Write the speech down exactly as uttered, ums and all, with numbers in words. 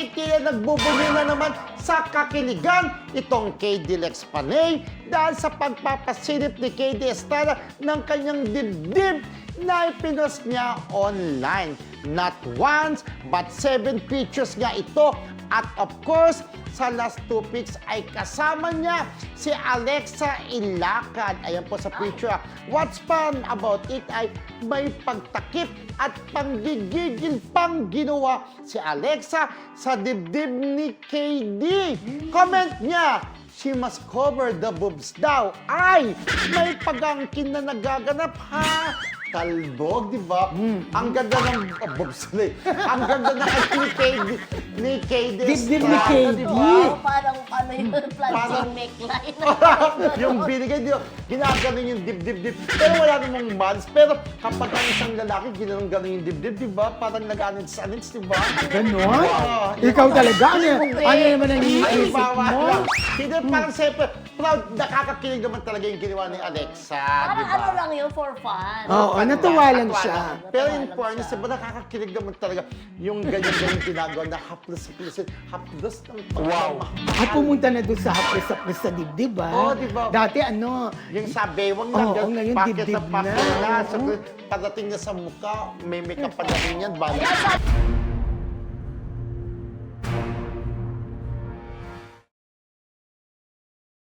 ay tila nagbubuli na naman sa kakiligan itong K D Lex Panay dahil sa pagpapasilip ni K D Estrada ng kanyang dibdib na ipinost niya online. Not once, but seven pictures nga ito. At of course, sa last two pics ay kasama niya si Alexa Ilacad. Ayan po sa picture. What's fun about it ay may pagtakip at panggigigil pang ginawa si Alexa sa dibdib ni K D. Comment niya, she must cover the boobs daw. Ay, may pagangkin na nagaganap ha. Talbog, di ba? Mm. Ang ganda ng oh, boobs ulit. Ang ganda ng ni K D. Ni K D. Dibdib ni K D. Wow, parang ano yung plastic neckline. Yung binigay, di ba? Ginaganon yung dibdib-dib. Pero wala namang months. Pero kapag ang isang lalaki, ginanong-ganon yung dibdib, di ba? Parang nag-anits-anits, di ba? Ganon? Wow. Ikaw talaga? Ano, Hindi. ano naman ang Ay, iniisip bawa mo? lang. Hindi, parang siyempre, proud, nakakakilig naman talaga yung ginawa ni Alexa, di Parang ba? ano lang yun, for fun. Oo, natuwa lang Natuwa siya. lang. Pero in Natuwa lang fairness, siya. diba nakakakilig naman talaga yung ganyan-ganyan ginagawa na haplos-haplos, haplos ng Wow. At pumunta na doon sa hapres-hapres sa dibdib, ah. Oo, di ba? Dati ano, Yung sa bewang lang, Oo, yan, ngayon bakit dibdib na, bakit na. na, Oo. sa, pagdating niya sa mukha, may makeup pa na rin yan, bala. Kaya sa-